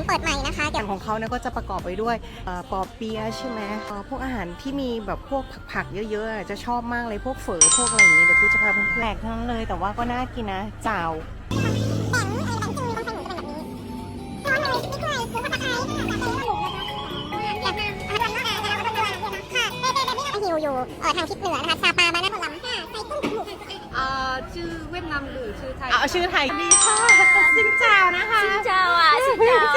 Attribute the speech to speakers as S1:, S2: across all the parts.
S1: นเปิดใหม่นะคะ
S2: อาหารของเขาเนี่ยก็จะประกอบไปด้วยปอเปี๊ยะใช่ไหมพวกอาหารที่มีแบบพวกผักเยอะๆจะชอบมากเลยพวกเฝอพวกอะไรอย่างนี้เดี๋ยวกูจะพาเพื่อนๆแปลกทั้งนั้นเลยแต่ว่าก็น่ากินนะจ่าว
S1: หิวอยู่ทางทิศเหนือนะคะซาปาบานาผลำค่ะใส่กุ้งหมู
S3: ชื่อเวียดนามหรือชื่อไทย
S2: เอาชื่อไทยดีค่ะซินเจ้านะคะ
S3: ซินเจ้าอ่ะซินเจ้า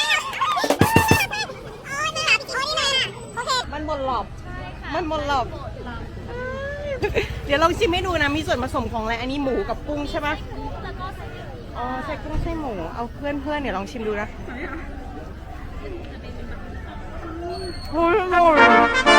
S2: มันบนหลบมันบนหลบเดี๋ยวลองชิมให้ดูนะมีส่วนผสมของอะไรอันนี้หมูกับกุ้งใช่ปะอ๋อใช่กุ้งใช่หมูเอาเพื่อนเดี๋ยวลองชิมดูนะโอ้ยอร่อย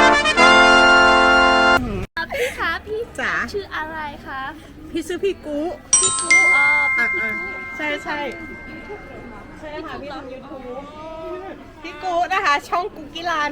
S3: พี่คะพี่
S2: จ๋า
S3: ชื่ออะไรคะ
S2: พี่ชื่อพี่กู
S3: พี่กู
S2: ใช่ใช่ค่ะพี่ทำ YouTube พี่กูนะคะช่องกุกิลัน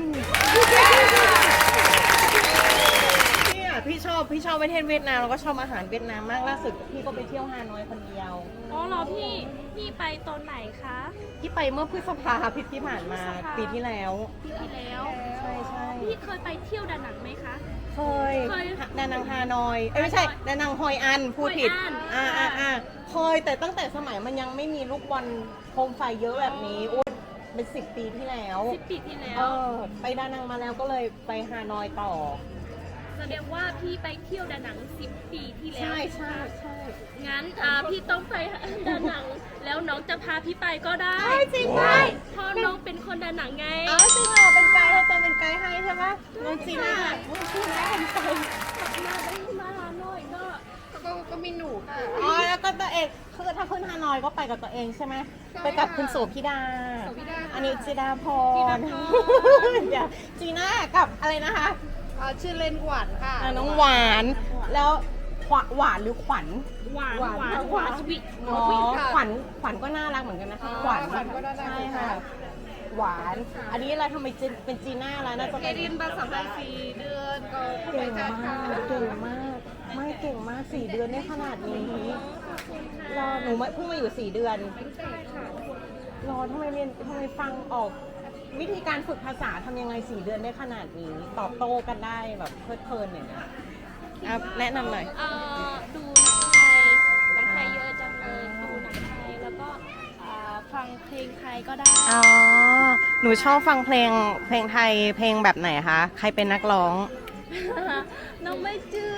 S2: พี่ชอบประเทศเวียดนามแล้วก็ชอบอาหารเวียดนามมากล่าสุดพี่ก็ไปเที่ยวฮานอยคนเดียว
S3: อ๋อเหรอพี่ไปตอนไหนคะ
S2: พี่ไปเมื่อพฤษภาที่ผ่านมาปีที่แล้วใช่
S3: พี่เคยไปเที่ยวดานังไหมคะ
S2: เคยดานังฮานอยไม่ใช่ดานังฮอยอันพูดผิดเคยแต่ตั้งแต่สมัยมันยังไม่มีลูกบอลโคมไฟเยอะแบบนี้เป็น10 ปีที่แล้วไปดานังมาแล้วก็เลยไปฮานอยต่อ
S3: แสดงว่าพี่ไปเที่ยวดานัง10 ปีที่แล้ว
S2: ใช่
S3: งั้นพี่ต้องไปดานังแล้วน้องจะพาพี่ไปก็ได้
S2: จริงไหม
S3: เพราะน้องเป็นคนดานังไง
S2: จริงเหรอเป็นไกด์เราจะเป็นไกด์ให้ใช่ไหมน้องจีน่าเป็นไกด์
S3: มาฮานอย
S2: ก็มีหนูค่ะแล้วก็ตัวเองคือถ้าขึ้นฮานอยก็ไปกับตัวเองใช่ไหมไปกับคุณโสภิดาอันนี้จีดาพรเดี๋ยวจีน่ากับอะไรนะคะ
S3: ชื่อเล่นหวานค่ะ
S2: น้องหวานแล้วหวานหรือขวัญ
S3: หวานสวีท
S2: ขวัญก็น่ารักเหมือนกันนะคะขวัญใช่ค่ะหวานอันนี้อะไรทำไมเป็นจีน่าแล้วน่าจะ
S3: เรียนภาษาไทย4 เดือนก็
S2: เก่งมากไม่เก่งมาก4 เดือนได้ขนาดนี้รอหนูเพิ่งมาอยู่4 เดือนรอทำไมฟังออกวิธีการฝึกภาษาทำยังไง4 เดือนได้ขนาดนี้ตอบโต้กันได้แบบเพลินอย่างเงี้ยแนะนำหน่อย
S3: ดูหนังไทยเยอะจังเลยดูหนังไทยแล้วก็ฟังเพลงไทยก็ได้
S2: หนูชอบฟังเพลงไทยเพลงแบบไหนคะใครเป็นนักร้อง
S3: น้องไม่จื้อ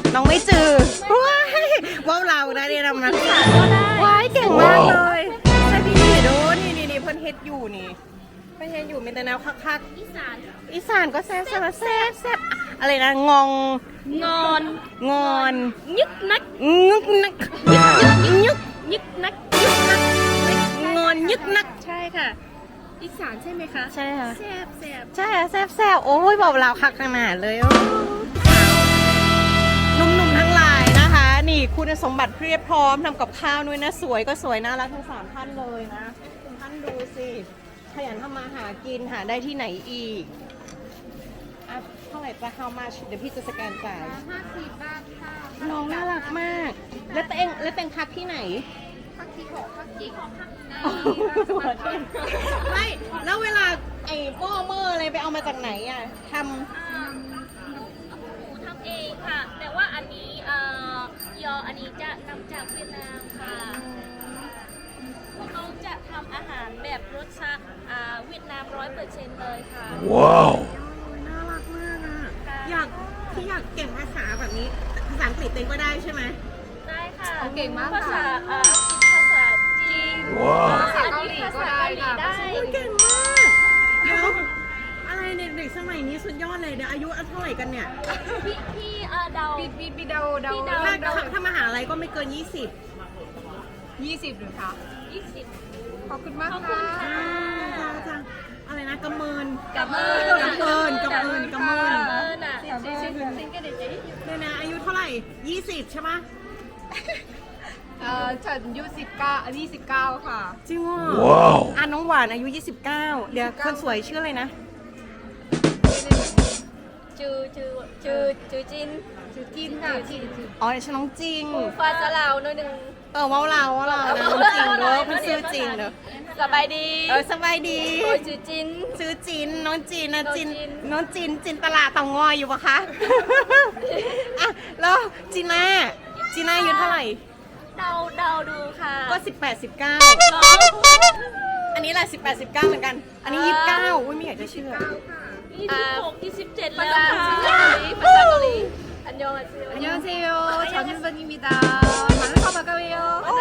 S2: ว้าวเราได้เรียนนำนัก
S3: ข่าวก็ได้
S2: ว้ายเก่งมากเลยใช่พี่ดูนี่เพิ่นเฮ็ดอยู่นี่เพิ่นเฮ็ดอยู่มีแต่แนวคักอีสานก็แซ่บอะไรนะงอน
S3: ยึกนัก
S2: งอนยึกนัก
S3: ใช่ค่ะอีสานใช่ไหมคะ
S2: ใช่ค่ะ
S3: แซ่บ
S2: ใช่แซ่บโอ้ยบอกเราคักขนาดเลยหนุ่มๆทั้งหลายนะคะนี่คุณสมบัติเพียบพร้อมทำกับข้าวด้วยนะสวยก็สวยน่ารักทั้ง3 ท่านเลยนะคุณท่านดูสิขยันทำมาหากินหาได้ที่ไหนอีกเท่าไหร่จะ how much เดี๋ยวพี่จะสแกนจ่าย
S3: 50 บาทค่ะ
S2: น้องน่ารักมากแล้วเต็งพักที่ไหน
S3: พักที่6พักที่
S2: ไม่แล้วเวลาไอ้ป้อเมอร์อะไรไปเอามาจากไหนอ่ะทำ
S3: เองค่ะแต่ว่าอันนี้อันนี้จะนำจากเวียดนามค่ะเขาจะทำอาหารแบบรสชาติเวียดนาม100%เลยค่ะ
S2: ว้าวน่ารักมากอ่ะอยากเก่งภาษาแบบนี้ภาษาอังกฤษเต็งก็ได้ใช่ไหม
S3: ได้ค่ะ
S2: เก่งมาก
S3: ภาษาจีนภาษาเกาหลีก็ได้
S2: เก่งมากเดี๋ยวอะไรเด็กสมัยนี้สุดยอดเลยเดี๋ยวอายุเท่าไหร่กันเนี่ย
S3: พี่เดา
S2: ถ้ามหาลัยก็ไม่เกิน20
S3: หรือคะ20
S2: ขอบคุณมากค่ะจ้าอะไรนะกำเมิน
S3: อ่ะ
S2: เนี่ยนะอายุเท่าไหร่20ใช่ไหม
S3: ฉันอายุ29ค่ะ
S2: จริงว้าวน้องหวานอายุ29เดี๋ยวคนสวยชื่ออะไรนะ
S3: จืจือจินค่ะจิน
S2: อ๋อฉันน้องจริง
S3: ฟ้าจะลาวหน่อยหนึง
S2: ว่าเรานะน้องจริงเด้อเพิ่นซื้อจริงเด้อ
S3: สบายดี
S2: สบายดี
S3: โอ้ยจือจิน
S2: ซื้อจินน้องจินนะจิน
S3: น้องจิน
S2: น้องจินตลาดเตางอยอยู่ปะคะ อ่ะแล้วจีน่าอายุเท่าไหร่
S3: เดาดูค่ะ
S2: ก็18 19
S3: น้อง
S2: อันนี้แหละ18 19เหมือนกัน อันนี้29อุ้ยไม่อยากจะเชื่อ
S3: 27แล้วค่ะภาษาเกาหลีอันยองอาเซีย
S4: 안녕하세요. 전윤선입니다. 만나서 반가워요.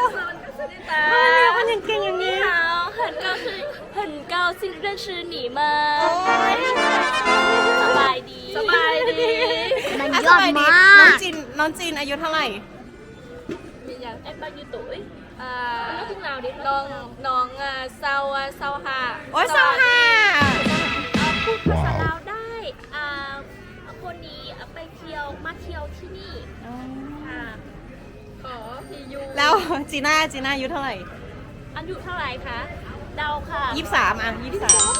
S2: มันยังเก่งอย่างนี้
S3: 你好很高兴认识你们สบายดี
S1: มัน
S2: อ่ะ
S1: ยอดมาก
S2: น้องจินอายุเท่าไหร่
S3: อย่างem bao nhiêu tuổi nói tiếng nào điน้องsau hà
S2: โอ้ยสวัสดี
S3: พูดภาษาลาวได้คนนี้ไปมาเที่ยวที่นี่ค่ะขอที่อยู่
S2: แล้วจีน่าอายุเท่าไหร่
S3: อายุเท่าไหร่คะเดาค่ะ
S2: 23อ่ะ23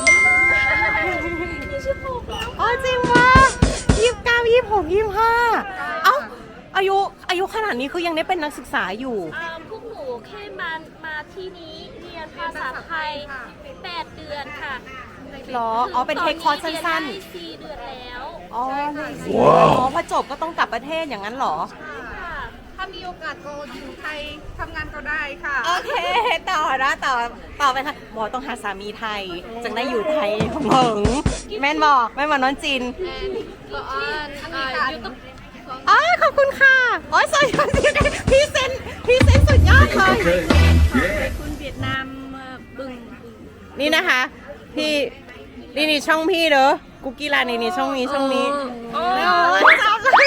S3: 26แล้ว
S2: อ๋อจริงวะ29 26 25เอ้าอายุขนาดนี้คือยังได้เป็นนักศึกษาอยู่
S3: พวกหนูแค่มาที่นี้เรียนภาษาไทย8 เดือนค่ะ
S2: หรอ อ๋อ เป็นเทคคอร์สสั้น
S3: ๆ4 เดือนแล้ว
S2: ๆ อ๋อพอจบก็ต้องกลับประเทศอย่างนั้นเหรอ
S3: ค่ะ
S4: ถ้ามีโอกาสก็อยู่ไทยทำงานก็ได้ค่ะ
S2: โอเค ต่อไปค่ะบอกต้องหาสามีไทย จึงได้อยู่ไทยของเหิงแม่นบอกน้องจิน
S3: ก็ยูทูบ
S2: อ๋อขอบคุณค่ะอ๋อสวยพี่เซนสุดยอดเลย
S3: คุณเวียดนามบึง
S2: นี่นะคะ พี่นี่ช่องพี่เด้อกุ๊กกี้ลานี่ช่องนี้มันซับเลย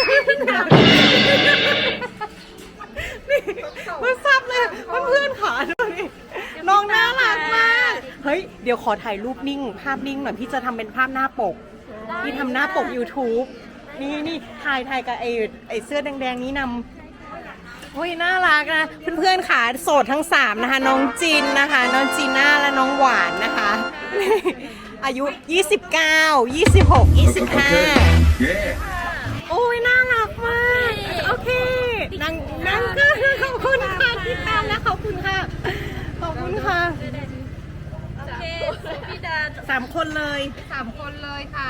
S2: มันซับเลยเพื่อนขาด้วยน้องน่ารักมากเฮ้ยเดี๋ยวขอถ่ายรูปนิ่งภาพนิ่งหน่อยพี่จะทำเป็นภาพหน้าปกพี่ทำหน้าปก YouTube นี่ถ่ายกับไอ้เสื้อแดงๆนี้นำโอ้ยน่ารักนะเพื่อนๆขาโสดทั้ง3นะคะน้องจินนะคะน้องจีน่าและน้องหวานนะคะ อายุ 29 26 25 โอ้ยน่ารักมากโอเคนั่งก็ขอบคุณค่ะที่ตามและขอบคุณค่ะ
S3: โอเคพี่ดา
S2: 3 คนเลย
S4: 3 คนเลยค่ะ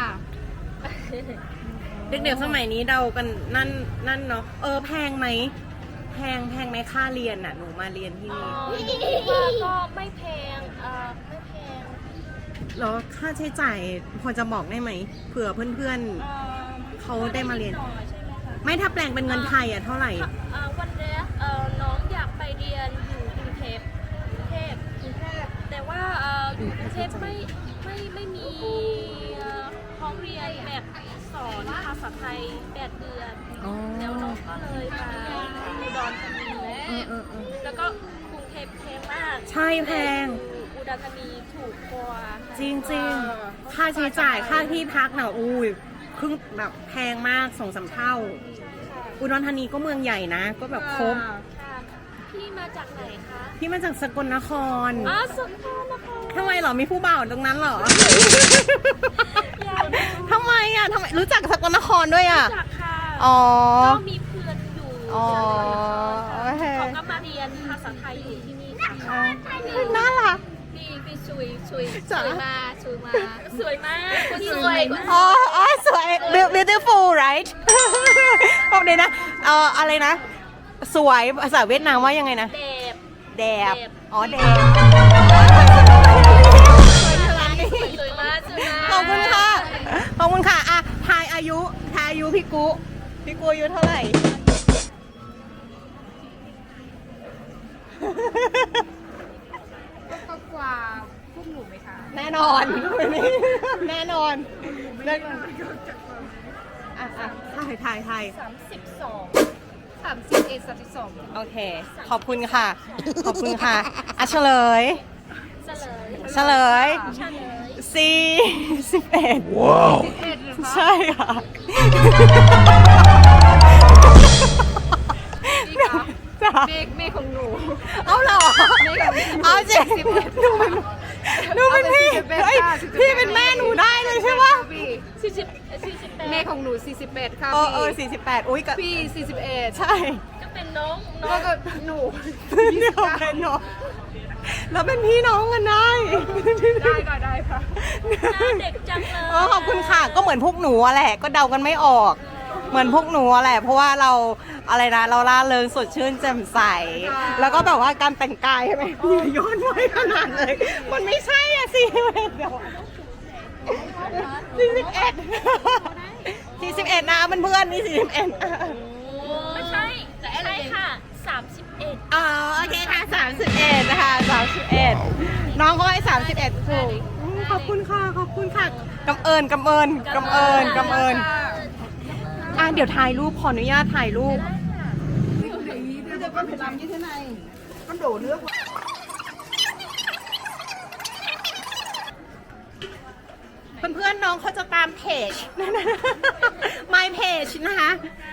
S2: เด็กๆสมัยนี้เดากันนั่นเนาะแพงไหมค่าเรียนอ่ะหนูมาเรียนที่นี่
S3: ก็ไม่แพงไม่แพง
S2: แล้วค่าใช้จ่ายพอจะบอกได้ไหมเผื่อเพื่อนๆเขาได้มาเรียน
S3: หน่อยใช่ไหมคะ
S2: ไม่ถ้าแปลงเป็นเงินไทยอ่ะเท่าไหร่
S3: วันแรกน้องอยากไปเรียนอยู่กรุงเทพแต่ว่าอยู่กรุงเทพไม่มีห้องเรียนแบบสอนภาษาไทย8 เดือน
S2: อ๋อ
S3: แล้วน้องก็เลยมาอุดรธานีแล้วก็กรุงเทพแพงมาก
S2: ใช่แพง
S3: อุดรธานีถูกกว่า
S2: จริงๆ ค่าใช้จ่ายค่าที่พักน่ะอุ้ยครึ่งแบบแพงมาก2-3 เท่า อุดรธานีก็เมืองใหญ่นะ ก็แบบครบ
S3: ค่ะพี่มาจากไหนคะ
S2: พี่มาจากสกลนคร
S3: สงขลานคร
S2: ทำไมเหรอมีผู้บ่าวตรงนั้นเหรอ
S3: อยากดู
S2: ทำไมรู้จักสกลนครด้วยอ่ะ
S3: จากค่ะ
S2: อ๋อ
S3: ก็มีเพื่อนอยู่
S2: อ๋อโอเค
S3: เขาก็มาเรียนภาษาไทยอยู่ที่นี่ค่ะ
S2: น่ารัก
S3: พี่สวย
S2: จ๋า
S3: สวยมากสวยมากพี่สวย
S2: อ๋อสวย beautiful right บอกเลยนะอะไรนะ สวยภาษาเวียดนามว่ายังไงนะ
S3: เด็บ
S2: แดบ อ๋อแดบ
S3: สวยมาก
S2: ขอบคุณค่ะ ขอบคุณค่ะอ่ะทายอายุพี่กุอายุเท่าไหร่
S4: ก็กว่าพวกหนูไหมคะ
S2: แน่นอน แน่นอนอ่ะถ่าย
S4: 31 32
S2: โอเค ขอบคุณค่ะ อ่ะเฉลย
S3: เฉลย
S2: 11
S5: ว้าว
S2: ใช่ค่ะ
S4: นี่ค่ะ
S2: จ้ะ
S4: เมฆของหนู
S2: เอาเหรอเอาจริงหนูเป็นพี่
S4: เอาเป็น
S2: เฮ้ย
S4: 11
S2: พี่เป็นแม่หนูได้เลยใช่ปะ
S4: พี่
S3: 48
S4: เมฆของหนู 48 ค่ะ
S2: 48อุ้ยกับ
S4: พี่41
S2: ใช่
S3: ก็เป็นน้อง
S4: แล้วก็หนู
S2: เดียวเป็นน้องแล้วเป็นพี่น้องกันได้
S4: ได้ก็ได้ค่ะ
S3: หน้าเด็กจังเลย
S2: ขอบคุณค่ะก็เหมือนพวกหนูอะแหละก็เดากันไม่ออก เหมือนพวกหนูอะแหละเพราะว่าเราอะไรนะเราล่าเริงสดชื่นแจ่มใส แล้วก็แบบว่าการแต่งกายใช่ไหมย้อนไว้ขนาดเลย มันไม่ใช่อะสิเดี๋ยว41นะเพื่อนๆนี่41
S3: ไม่ใช่ใช่ค่ะ31
S2: อ๋อโอเคค่ะ31นะคะ31น้องเขาให้31ถูกขอบคุณค่ะขอบคุณค่ะกำเอิญเดี๋ยวถ่ายรูปขออนุญาตถ่ายรูปเพื่อนๆน้องเขาจะตามเพจ My Page นะคะ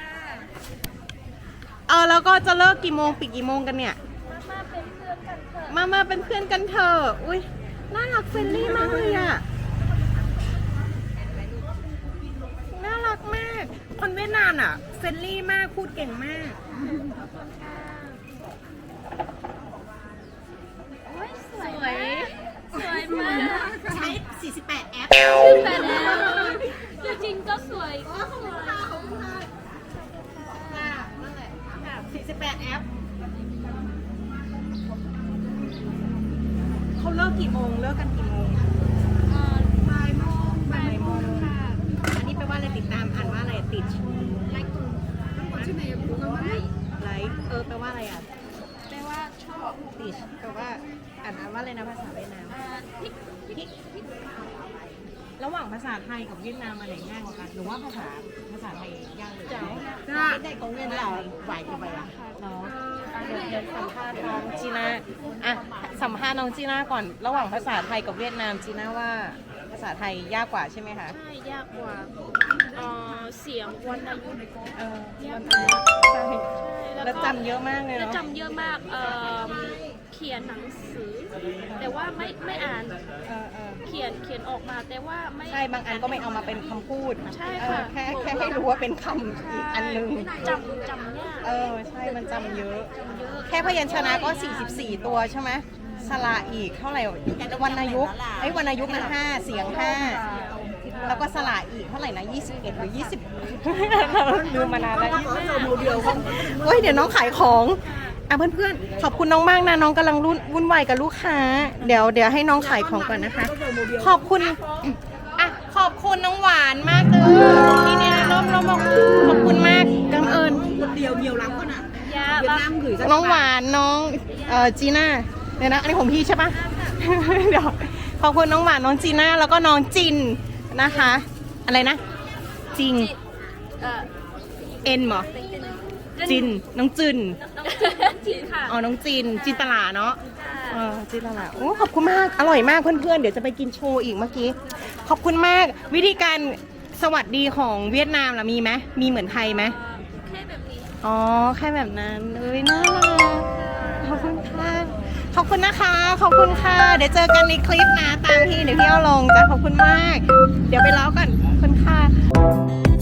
S2: แล้วก็จะเลิกกี่โมงปิดกี่โมงกันเนี่ย มาเป็นเพื่อนกันเถอะอุ้ยน่ารักเฟรนลี่มากเลยอ่ะน่ารักมากคนเวียดนามอ่ะเฟรนลี่มากพูดเก่งมาก
S3: สวยมาก
S2: ใช้48แอป
S3: แต่แล้วจริงๆก็สวย
S2: 48แอปเขาเลิกกี่โมงเลิกกันกี่โมงบ่ายโมงอันนี้แปลว่าอะไรติดตามอ่านว่าอะไรติดไลค์แปลว่าอะไรอ่ะ
S3: แปลว่าชอบ
S2: ติดแปลว่าอ่านว่าอะไรนะภาษาเวียดนามพริกระหว่างภาษาไทยกับเวียดนามอะไรง่ายกว่ากันหรือว่าภาษาไทยยากเลยได้ของเวียดนามไหวกี่ใบอ่ะเนาะเดี๋ยวสัมภาษณ์น้องจีน่าอ่ะสัมภาษณ์น้องจีน่าก่อนระหว่างภาษาไทยกับเวียดนามจีน่าว่าภาษาไทยยากกว่าใช่ไหมคะ
S3: ใช่ยากกว่าเสียงวรรณยุกต์
S2: ใช่แล้วจำเยอะมากเลย
S3: แล้ว
S2: เนาะ
S3: จำเยอะมากเขียนหนังสือ แต่ว่าไม่อ่านเขียนออกมาแต่ว่าไม่
S2: ใช่บางอันก็ไม่เอามาเป็นคำพูด
S3: ใช่ค่ะ
S2: แค่ให้รู้ว่าเป็นคำอีกอันนึง
S3: จำยาก
S2: ใช่มันจำเยอะ แค่พยัญชนะก็44ตัวใช่ไหมสระอีกเท่าไหร่วรรณยุกต์วรรณยุกต์นะ5เสียง5แล้วก็สระอีกเท่าไหร่นะ21หรือ20ลืมมานานแล้วเฮ้ยเดี๋ยวน้องขายของเพื่อนๆขอบคุณน้องมากนะน้องกำลังวุ่นวายกับลูกค้าเดี๋ยวให้น้องขายของก่อนนะคะขอบคุณขอบคุณน้องหวานมากเลยนี่เนี่ยน้องบอกขอบคุณมากกำเอิญเดียวเมียวล้ำก็นะ
S3: ยากบ้าง
S2: น้องหวานน้องจีน่าเดี๋ยวนะอันนี้ของพี่ใช่ปะ เดี๋ยวขอบคุณน้องหวานน้องจีน่าแล้วก็น้องจินนะคะอะไรนะจริงเอ็นเหรอจินน้องจิน
S3: จินค่ะ
S2: น้องจินจินตลาเนาะจินตลาโอ้ขอบคุณมากอร่อยมากเพื่อนๆเดี๋ยวจะไปกินโชว์อีกเมื่อกี้ขอบคุณมากวิธีการสวัสดีของเวียดนามล่ะมีไหมมีเหมือนไทยไหม
S3: แค่แบบนี้
S2: แค่แบบนั้นน่ารักขอบคุณค่ะขอบคุณนะคะขอบคุณค่ะเดี๋ยวเจอกันในคลิปนะตามที่เดี๋ยวพี่เอาลงจะขอบคุณมากเดี๋ยวไปเล่ากันขอบคุณค่ะ